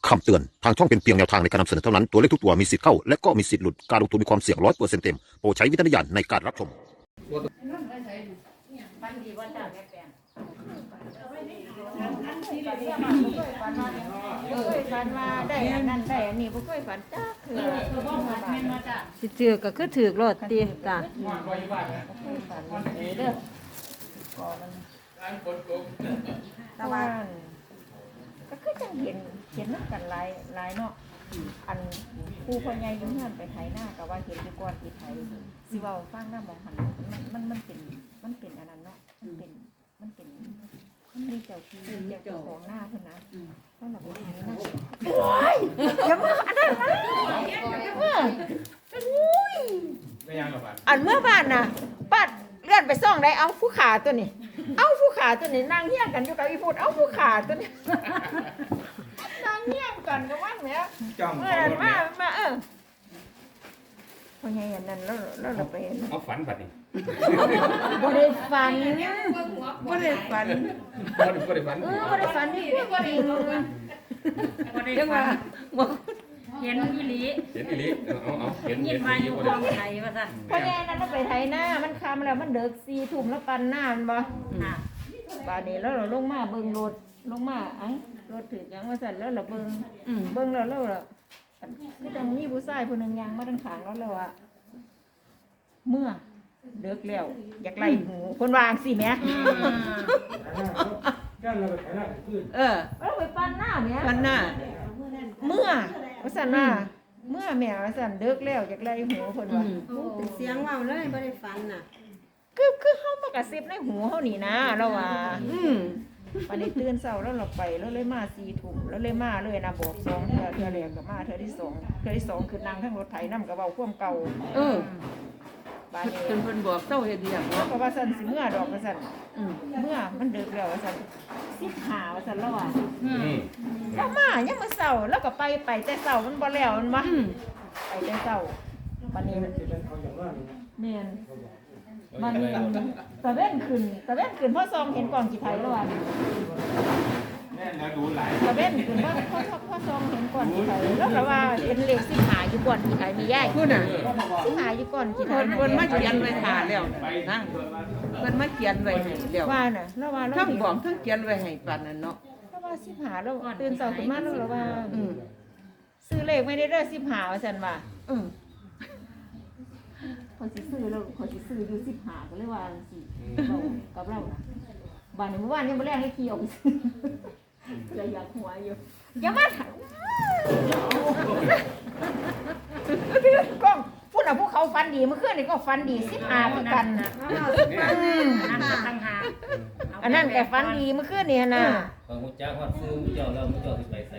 คำเตือนทางช่องเป็นเพียงแนวทางในการนำเสนอเท่านั้นตัวเลขทุกตัวมีสิทธิ์เข้าและก็มีสิทธิ์หลุดการลงทุนมีความเสี่ยง100%เต็มโปรดใช้วิจารณญาณในการรับชมฟันดีว่าจ้าแม่แปลงเคยฝันว่าได้อันนั้นได้อันนี้บ่เคยฝันจ้าคือสิถือก็คือถือรถตีจ้ะฝันเด้อก่อนตะวันก็คือจังเห็นนำกันหลายเนาะอันผู้พ่อใหญ่อยู่เฮือนไปไถนาก็ว่าเห็นอยู่ก่อนที่ไถสิเว้าฟังนำมองหันมันเป็นอันนั้นเนาะมันมีเจ้าที่เจ้าของหน้าเพิ่นนะเพิ่นน่ะบ่ได้นะโอ้ยอย่ามาอันนั้นนะอุ้ยอันเมื่อบ้านน่ะป้าเลื่อนไปซ่องได้เอาผู้ขาตัวนี้เอาผู้ขาตัวนี้นั่งเฮี้ยงกันอยู่กับอีพูดเอาผู้ขาตัวนี้นั่งเฮี้ยงกันกับว่าแหมเมื่อนั้นมาพ่อใหญ่อันนั้นแล้วเราไปเอาฝันบัดนี้บ่ได้ฝันบ่ได้ฝันบ่ได้ฝันบ่ได้ฝันนี่พวกจริงบ่ได้ว่าเห็นอีหลีเห็นอีหลีเอาเห็นยินมาอยู่กองไทยว่าซั่นพ่อใหญ่นั้นเราไปไถนามันค่ำแล้วมันเดึก4 ทุ่มแล้วปั่นน้ามันบ่ค่ะบาดนี้แล้วเราลงมาเบิ่งรถลงมาอังรถถึกยังว่าซั่นแล้วเราเบิ่งแล้วเราคือจังมีผู้ชายผู้นึงย่างมาทางข้างแล้วว่าเมื่อเลิกแล้วอยากไล่หูคนวางสิแม่เราไปปั้นหน้าแม่วันหน้าเมื่อว่าซั่นว่าเมื่อแม่ว่าซั่นเลิกแล้วอยากไล่หูคนว่าเป็นเสียงเว้าเลยบ่ได้ฝันน่ะคือเฮามากระซิบในหูเฮานี่นะเราว่าวันนี้ตื่นเช้าแล้วเราไปแล้วเลยมา4 ทุ่มแล้วเลยมาเลยนะบอก2เทื่อแรกก็มาเทื่อที่2คือนั่งทั้งรถไถนำก็เว้าความเก่าบาดนี้เพิ่นบอกเจ้าเฮ็ดอีหยังแล้วก็ว่าซั่นสิเมื่อดอกว่าซั่นเมื่อมันดึกแล้วว่าซั่น15ว่าซั่นแล้วว่าแล้วมายังมื้อเช้าแล้วก็ไปแต่เช้ามันบ่แล้วมันบ่ไปแต่เช้าวันนี้แม่นมันตะเว้นขึ้นพอซองเห็นกล่องกี่ไผแล้วว่าตะเว้นขึ้นพอซองเห็นก่อนกี่ไผแล้วก็ว่าเป็นเลข15อยู่ก่อนกี่ไผมียายพูดน่ะ 15อยู่ก่อนกี่ไผเพิ่นมาเขียนไว้ท่าแล้วนะเพิ่นมาเขียนไว้ให้แล้วว่าน่ะแล้วว่าเราทั้งบอกทั้งเขียนไว้ให้ปานนั้นเนาะแล้วว่า15แล้วตื่นเช้าขึ้นมาแล้วว่าซื้อเลขไม่ได้เด้อ15ว่าซั่นว่าเขาสิซื้อแล้วเขาสิซื้ออยู่15ก็เลยว่าจังซี่กับเราน่ะบ้านนี้เมื่อวานยังบ่แลงให้ขี่ออกไปซื้อเลยอยากหัวอยู่อย่ามาถามกล้องพูดน่ะพวกเขาฟันดีเมื่อคืนนี่ก็ฟันดี15คือกันน่ะนั่นก็ตั้งหาอันนั้นก็ฟันดีเมื่อคืนนี่น่ะของมุจ้าฮอดซื้อมุเจ้าแล้วมุเจ้าสิไปใส่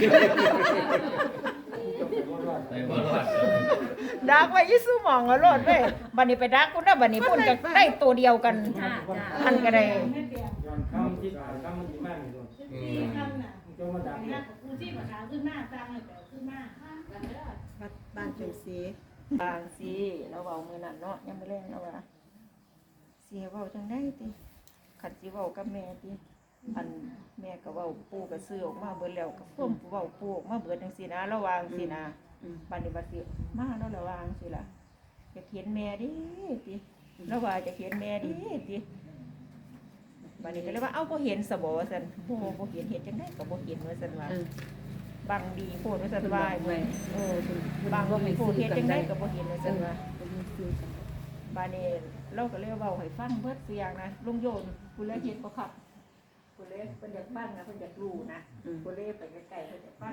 ไปบ่รอดดักไว้อยู่ซุหม่องเอาโลดเว้ยบัดนี้ไปดักพุ่นน่ะบัดนี้พุ่นก็ได้ตัวเดียวกันจ้าจ้ามันก็ได้บ้านจังซี่บางสิเราเว้ามื้อนั้นเนาะยังบ่แรงแล้วว่าสิเว้าจังได๋ติคันสิเว้ากับแม่ติอันแม่ก็เว้าปู่ก็ซื้อออกมาเบิดแล้วก็ความเว้าปู่ออกมาเบิดจังซี่นะระวังสินะบัดนี้บัดสิมาแล้วระวังสิล่ะจะเขียนแม่ดิติแล้วว่าจะเขียนแม่ดิติบัดนี้ก็เลยว่าเอ้าบ่เห็นซะบ่ว่าซั่นบ่เห็นเฮ็ดจังได๋ก็บ่เห็นว่าซั่นว่าบางดีโพดว่าซั่นว่าบางดีโพดเฮ็ดจังได๋ก็บ่เห็นว่าซั่นว่าบัดนี้เราก็เลยเว้าให้ฟังเบิดเสียงนะลุงโยนผู้เลยเฮ็ดบ่ครับผู้เลยเพิ่นอยากฟังนะเพิ่นอยากรู้นะผู้เลยไปใกล้ๆเพิ่นอยากฟัง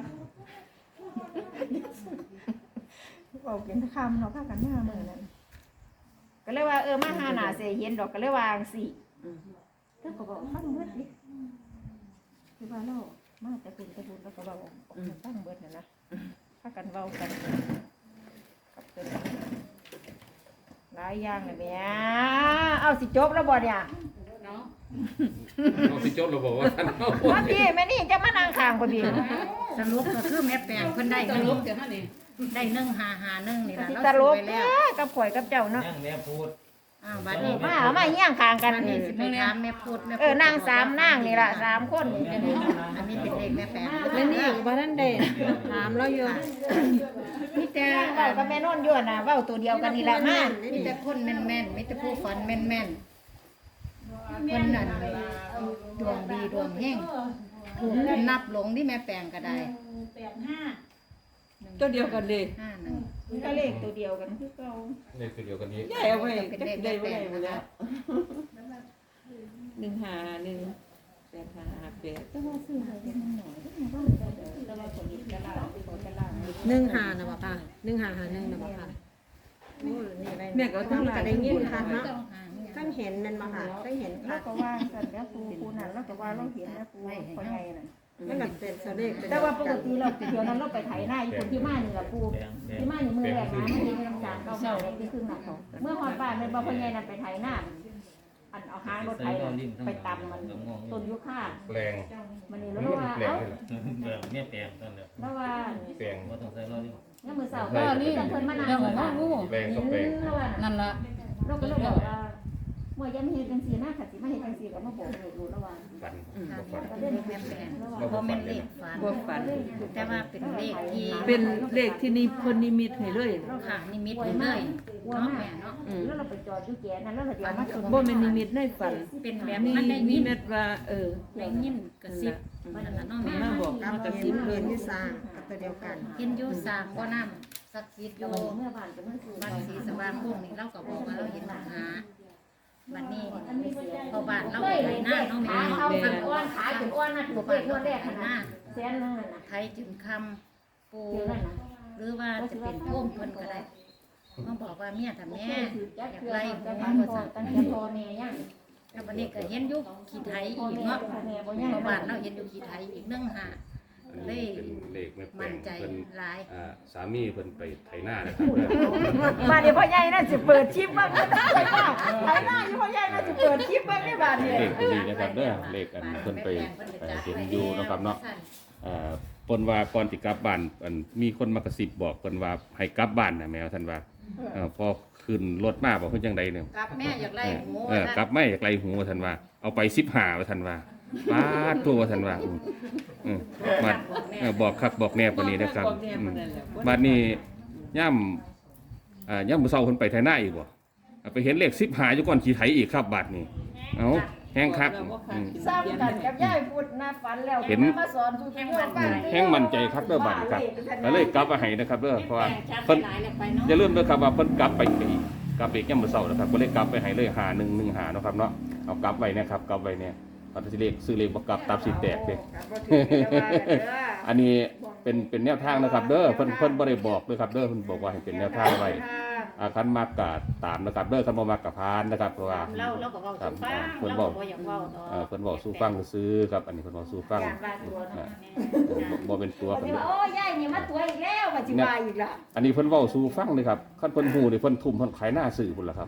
เว้าเป็นคำเนาะพากันมามื้อนั้นก็เลยว่ามาหาหน้าสิเห็นดอกก็เลยวาจั่งซี้แล้วก็บอกฟังเบิดดิคือว่าเรามาแต่บุญแล้วก็เว้าฟังเบิดนั่นนะพากันเว้ากันกับเพิ่นหลายอย่างเลยแม่เอาสิจบแล้วบ่เนี่ยเนาะเอาสิจดเราบอกว่าท่านมาพี่แม่นี่จะมานั่งข้างบ่พี่สรุปก็คือแม่แปลงเพิ่นได้สรุปเดี๋ยวนี้ได้1 5 5 1นี่ล่ะสิเราตลซื้อก ไปแท้แล้วกับข่อยกับเจ้าเนาะยังแม่พูดบัดนี่นี้มาเอามาเฮี้ยงข้างกันอันนี้นี่สิไปถามแม่พูดแม่นาง3นางนี่ล่ะ3คนนี่อันนี้เป็นเลขแม่แปงแม่นี่บ่ทันได้ถามเราอยู่มีแต่เว้ากับแม่นนท์อยู่น่ะเว้าตัวเดียวกันนี่ล่ะมามีแต่คนแม่นๆมีแต่ผู้ฝันแม่นๆคนนั้นดวงดีดวงแห้งถูกนับหลงที่แม่แปงก็ได้ตัวเดียวกันเลย 51 ก็เลขตัวเดียวกันคือเก่าเลขตัวเดียวกันนี้ยายเอาไว้เป็นจักเลขได้แม่บ่แปได้งบ่นะแล้คะว151 858แต่ว่าซื้อให้มันน้อยแต่ว่าคนนี้ก็ล่าคนก็ล่า 15นะบ่ค่ะ1551นะบ่ค่ะโอ้นี่ได้แม่ก็ทั้งหลายได้ยินค่ะเนาะต้องหาเนี่ยท่านเห็นนั่นบ่ค่ะได้เห็นแล้ค่ะวก็ว่าสั่นแล้วปูนั่นแล้วก็ว่าเราเห็นแล้วปูพ่อใหญ่นั่นมันก็เป็นตัวเลขเป็นแต่ว่าปกติเราเดี๋ยวนั้นเราไปไถนาอยู่คนที่มานี่ล่ะปูที่มานี่มือแรกนะมันมีน้ำจางเก่าๆที่ครึ่งหนักเขาเมื่อฮอดบ้านแม่นบ่พ่อใหญ่นั่นไปไถนาอันเอาหางรถไถไปตำมันต้นยุค่าแปลงมันนี่มัแล้นวว่าแปลงเอ้าเลยเหรอแบบแม่แปลงตอนแล้วแล้วว่าแปลงบ่ต้องใส่รอลิงเนี่ยมือเสาร์ก็นี่เพิ่นมานั่งอยู่บ้านแปลงก็แปลงนั่นละเราก็เลยบอกว่าเมื่อยังเฮ็ดจังซี่นะค่ะสิมาเฮ็ดจังซี่ก็มาบอกให้รู้แล้วว่าฝันบ่ฝันก็เลเล่นขแม่แปงแล้วว่าเพราะแม่นเลขฝันบ่ฝันแต่ว่าเป็นเลขที่เป็นเลขที่นี่เพิ่นนิมิตให้เลยค่ะนิมิตเลยเนาะแม่เนาะแล้วเราไปจอดอยู่แก่นั้นแล้วเราเดี๋ยวมาชนบ่แม่นนิมิตในฝันเป็นแบบนี่มันได้นิยินมิตว่าได้ยินกระซิบนั่นล่ะเนาะแม่มาบอกกับมากระเห็ซินบเลเห็ยนที่สร้างกับตัวเดียวกันเห็นอยู่สร้างบ่น้ำศักดิ์สิทธิ์อยู่เมื่อบ้านจะมันคือบ้านศรีสว่างพวกนี้เราก็บอกว่าเราเห็นหาบัดนี้พอบ้านเราไปไถนาเนาะแม่ขาเนาะเอาขันอ้วนขาจนอ้วนนะถูกเลขงวดแรกขนาดแสนนึงน่ะไทยจึงคำปูเดี๋ยวนั่นนะหรือว่าจะเป็นพ่วงเพิ่นก็ได้มาบอกว่าเมียถ้าแม่อยากไล่แต่หัวบ้านก็พ่อสั่งตั้งแต่พ่อแม่ยังแล้วบัดนี้ก็เห็นอยู่ขี้ไทยพ่ออีกแม่เนาะพ่อแม่บ่เพยังราะบ้านเราเห็นอยู่ขี้ไทยอีก1 หาอันเลนี้ยเป็นเลขแม่แปลมั่นงใจเพิ่นหลายสามีเพิ่นไปไถนานะครับบ้านนี้พ่อใหญ่น่าสิเปิดคลิปบ้างไปบ้างไปหน้าอยู่พ่อใหญ่น่าสิเปิดคลิปบ้างในบ้านนี้เลขตัวนี้นะครับเด้อเลขอันเพิ่นไปเห็นอยู่นะครับเนาะเพิ่นว่าก่อนสิกลับบ้านอันมีคนมากระซิบบอกเพิ่นว่าให้กลับบ้านนะแมวท่านว่าพอขึ้นรถมาบอกเพิ่นจังไดเนี่ยกับแม่อยากไล่หมูกลับไม่อยากไกลหูว่าท่านว่าเอาไป15ว่าท่านว่าปาดตัวว่าท่านว่ามาบอกคักบอกแน่ปานนี้นะครับบัดนี้ย่ำมื้อเช้าเพิ่นไปไถนาอีกบ่ไปเห็นเลข15อยู่ก่อนขี่ไถอีกครับบัดนี้เอ้าแห้งคักซ้ำกันกับยายพูดนะฝันแล้วเห็นมาสอนทุกแห่งวันบ้านแห้งมั่นใจครับเด้อบัดนี้ครับก็เลยกลับมาให้นะครับเด้อเพราะว่าเพิ่นอย่าลืมเด้อครับว่าเพิ่นกลับไปอีกกลับไปอีกยามมื้อเช้านะครับก็เลยกลับไปให้เลย5115เนาะครับเนาะเอากลับไว้นะครับกลับไว้เนี่ยปัตสิเลขซื้อเลขบ่กลับตับสิแตกเด้ อันนี้เป็นแนวทางนะครับเด้อเพิ่นบ่ได้บอกเด้อครับเด้อเพิ่นบอกว่าให้เป็นแนวทางไว้คันมักก็ตามนะครับเด้อคันบ่มักก็ผ่านนะครับเพราะว่าเราก็เว้าครับสู่ฟังเพิ่นเราบอกก็บ่อยากเว้าดอกเพิ่นบอกสู้ฟังซื้อครับอันนี้เพิ่นบอกสู้ฟังการว่าตัวเนาะบ่เป็นตัวก็เพิ่สินว่าโอ้ยายนี่มาตัวอีกแล้วว่าสิว่าอีกละอันนี้เพิ่นเว้าสู้ฟังเลยครับคันเพิ่นฮู้นี่เพิ่นทุ่มเพิ่นขายหน้าสื่อพุ่นล่ะครับ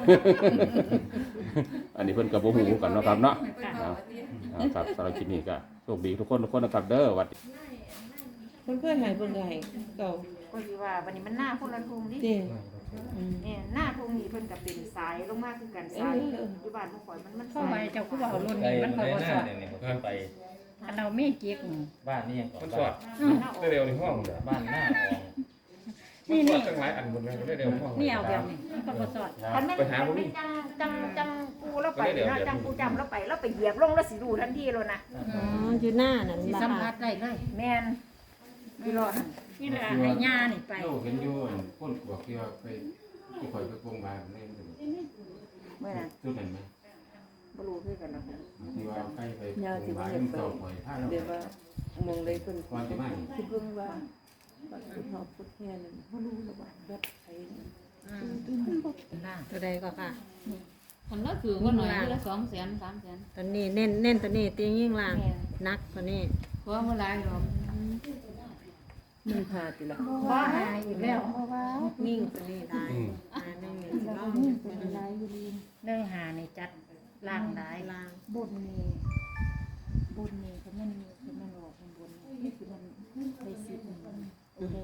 อันนี้เพิ่นก็บ่ฮู้กันเนาะครับเนาะครับสำหรับคลิปนี้ก็โชคดีทุกคนนะครับเด้อหวัดเพิ่นเคยให้เพิ่นก็ให้เก่าก็สิว่าวันนี้มันหน้าคนละทุ่งดิเด้เนี่ยหน้าทุ่งนี่เพิ่นก็เป็นสายลงมาคือกันสายอยู่บ้านบ่ข่อยมันเข้าไปเจ้าคือเว้ารุ่นไปนี้มันไปก็บ่หสน้าอดเนี่ยผมไปอันเรามีเกียกบ้านนี่ยังก่อมันนสอดได้เร็วในห้องเด้อบ้านหน้าอองนี่นี่จังหลายอันหมดเลยได้เร็วห้องนี่เอาแบบนี้มันก็บ่สอดคันแม่นจังปูแล้วไปเนาะจังปูจำแล้วไปแล้วไปเหยียบลงแล้วสิรู้ทันทีเลยนะอ๋ออยู่หน้านั่นสิบ่สัมค่ะผัสได้เลยแม่นพี่รอดนี่แหละให้ย่านี่ไปโลกเห็นอยู่คนบอกที่ว่าไปที่ข่อยไปโรงพยาบาลนี่เมื่อนั้นจุดนั้นมั้ยบ่รู้คือกันเนาะที่ว่าไปโรงพยาบาลมันเจ้าข่อยพาเราเดี๋ยวว่ามองเลยเพิ่นก่อนจะมาคิดเบิ่งว่าบัดพุทธพุทธแห่นั่นบ่รู้แล้วว่าแบบไผตัวใดก็ค่ะคนละถือว่าหน่อยละ200,000 300,000 ตัวนี้เน้นตัวนี้ตียิ่งล่างนักตัวนี้เพราะว่าหลายหรอก 1 5ติล่ะบ่หายอีกแล้วยิ่งตัวนี้ได้ได้เงินเนาะ 1 หานี่จัดล่างได้ล่างบนนี่เขามันออกบนนี่คือมันได้10มันแดง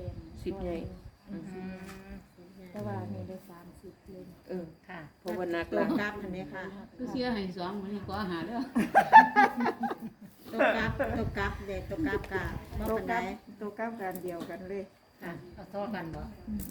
10ใหญ่แต่ว่านี่ได้30เลยเออค่ะเพราะว่านักตัวกลับอันนี้ค่ะคือเสียให้สองมื้อนี้ก็หาเด้อตัวกลับเด็กตัวกลับกะบ่ตัวปานกใดลับตัวกลับกันเดียวกันเลยค่ะเอาซ้อกันบ่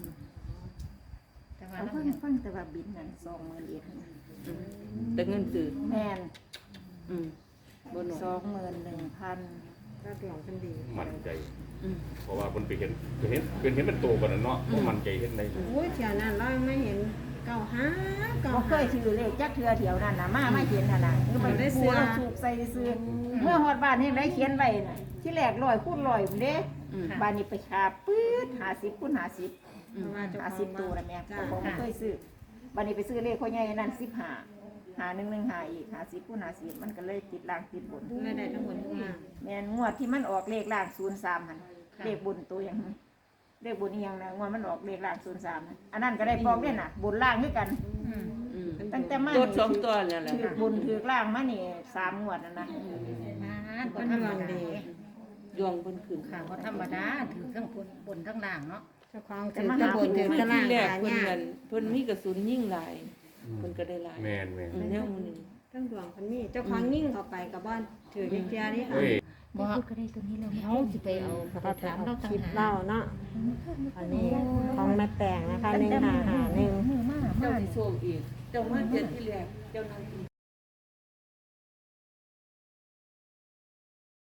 แต่ว่าเอาเราฟังแต่ว่าบินนั่น20,000เอ็ดแต่เงินซื้อแม่นบ่น้อย 21,000 ก็ดวงเพิ่นดีมั่นใจเพราะว่าเพิ่นไปเห็นเป็นโตกว่านั้นเนาะบ่มั่นใจเห็นได้โอ้ยเที่ยวนั้นเราไม่เห็นเก่าหาเก่าบ่เคหายซื้อเลขจักเทื่อเที่ยวนั่นน่ะมาเห็นน่ะคือมันได้ซื้อเราสูบใส่ซื้อเมื่อฮอดบ้านเฮ็ดได้เขียนไว้น่ะที่แรก100คูณ100พุ่นเด้บ้านนี้ไปหาปื๊ด50คูณ50 เพราะว่าเจ้าของ 50ตัวนะแม่จ้าผมเคยซื้อบัดนี้ไปซื้อเลขพ่อใหญ่นั่น15หา115อีก50คูณ50มันก็เลยติดล่างติดบนไม่ได้ทั้งหมดทั้งมวลแม่นงวดที่มันออกเลขล่าง03หั่นเลขบนตัวอย่างนั้นเลขบนอีหยังนะงวดมันออกเลขล่าง03หั่นอันนั้นก็ได้พร้อมเด้น่ะบนล่างคือกัน ตั้งแต่มาตัวสองตัวนั่นแหละถือบนถือล่างมานี่3งวดนั่นนะบ่ธรรมดาดวงเพิ่นขึ้นค่ะบ่ธรรมดาถือทั้งบนทั้งล่างเนาะเจ้าของถือตะบนถือตะล่างที่แรกหาเพิ่นยากนั่นเพิ่นมีกระสุนยิงหลายเพิ่นก็ได้หลายแม่นแม่นแนวมื้อนี้ทั้งดวงเพิ่นมีเจ้าของยิ่งเข้าไปกับบ้านถือเกียร์นี่ค่ะเฮ้ยบ่ก็ได้ตัวนี้แล้วเฮาสิไปเอาไปถามเราคต่างลิปหากเล่าเนาะอันนี้ของแม่แปงนะคะ1 5 5 1 มือมาเจ้าสิโชคอีกเจ้ามาเจ็ดที่แรกเจ้านั่งอีก